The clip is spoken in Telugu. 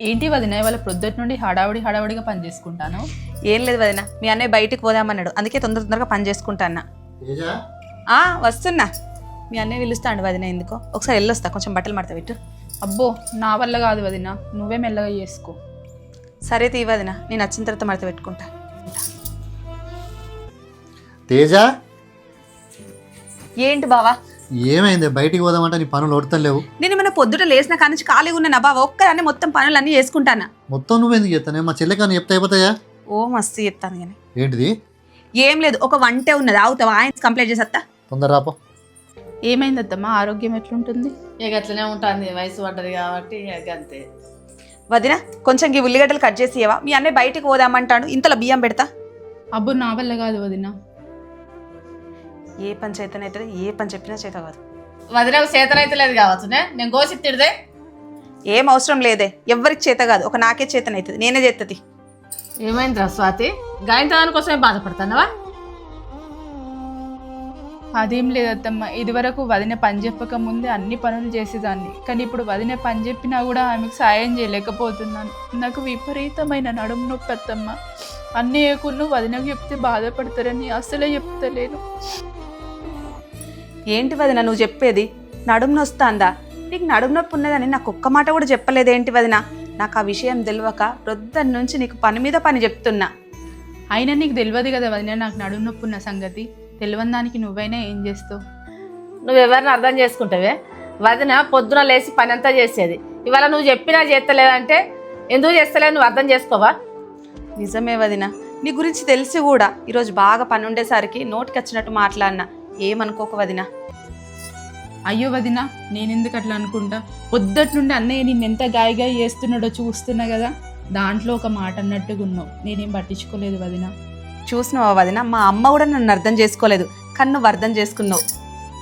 ఏంటి వదిన ఇవాళ ప్రొద్దుటి నుండి హడావుడిగా పని చేసుకుంటాను. ఏం లేదు వదిన, మీ అన్నయ్య బయటికి పోదామన్నాడు, అందుకే తొందరగా పని చేసుకుంటాను. వస్తున్నా, మీ అన్నయ్య పిలుస్తాడు వదిన. ఎందుకో ఒకసారి వెళ్ళొస్తా, కొంచెం బట్టలు మడత పెట్టు. అబ్బో నా వల్ల కాదు వదిన, నువ్వే మెల్లగా చేసుకో. సరే తీ వదిన, నేను వచ్చిన తర్వాత మడత పెట్టుకుంటా. తేజ, ఏంటి బావా? ఏమైంది? బయటికి పోదామంటే నీ పనులు ఓడతలేవు. నేను మన పొద్దుట లేచిన కానీ ఖాళీగా ఉన్నా బావ, ఒక్కదాన్ని మొత్తం పనులన్నీ చేసుకుంటానా. మొత్తం నువ్వెందుకు చెప్తానే? మా చెల్లెకని చెప్తే అయిపోతాయా? ఓ మస్తు చెప్తాను కానీ. ఏంటిది? ఏం లేదు, ఒక వంటే ఉన్నది, అవుతావా? ఆయన కంప్లైంట్ చేసేస్తా. తొందర రాపో. ఏమైంది అత్తమ్మ, ఆరోగ్యం ఎట్లుంటుంది? ఇక అట్లనే ఉంటుంది, వయసు పడ్డది కాబట్టి ఇక అంతే. వదిన కొంచెం ఈ ఉల్లిగడ్డలు కట్ చేసి ఇవ్వవా? మీ అన్నయ్య బయటికి పోదామంటాడు, ఇంతలో బియ్యం పెడతా. అబ్బో నా వల్ల కాదు వదిన. ఏ పని చేతనైతే ఏ పని చెప్పినా చేత కాదు. వదిలేకు చేతనైతే లేదు కావచ్చునే, నేను గోసి తిడితే. ఏం అవసరం లేదే, ఎవ్వరికి చేత కాదు, ఒక నాకే చేతనైతుంది, నేనే చేస్తుంది. ఏమైందిరా స్వాతి, గాయంత్రాని కోసమే బాధపడతానవా? అదేం లేదు అత్తమ్మ, ఇదివరకు వదిన పని చెప్పక ముందే అన్ని పనులు చేసేదాన్ని, కానీ ఇప్పుడు వదిన పని చెప్పినా కూడా ఆమెకు సాయం చేయలేకపోతున్నాను. నాకు విపరీతమైన నడుము నొప్పి అత్తమ్మ. అన్నయ్యకును వదినకు చెప్తే బాధపడతారని అసలే చెప్తలేను. ఏంటి వదిన నువ్వు చెప్పేది? నడుము నొస్తాందా? నీకు నడుము నొప్పి ఉన్నదని నాకు ఒక్క మాట కూడా చెప్పలేదేంటి వదిన? నాకు ఆ విషయం తెలియక రొద్దని నుంచి నీకు పని మీద పని చెప్తున్నా. అయినా నీకు తెలియదు కదా వదిన నాకు నడుము నొప్పి ఉన్న సంగతి. తెలియని దానికి నువ్వైనా ఏం చేస్తావు? నువ్వెవరిని అర్థం చేసుకుంటావే? వదిన పొద్దున లేచి పని అంతా చేసేది, ఇవాళ నువ్వు చెప్పినా చేస్తలేదంటే ఎందుకు చేస్తలేదు, నువ్వు అర్థం చేసుకోవా? నిజమే వదిన, నీ గురించి తెలిసి కూడా ఈరోజు బాగా పని ఉండేసరికి నోటికి వచ్చినట్టు మాట్లాడినా, ఏమనుకోక వదిన. అయ్యో వదిన, నేనెందుకు అట్లా అనుకుంటా? పొద్దుటి నుండి అన్నయ్య నిన్నెంత గాయగా చేస్తున్నాడో చూస్తున్నా కదా, దాంట్లో ఒక మాట అన్నట్టుగా ఉన్నావు. నేనేం పట్టించుకోలేదు వదిన. చూసినావా వదిన, మా అమ్మ కూడా నన్ను అర్థం చేసుకోలేదు, కానీ నువ్వు అర్థం చేసుకున్నావు.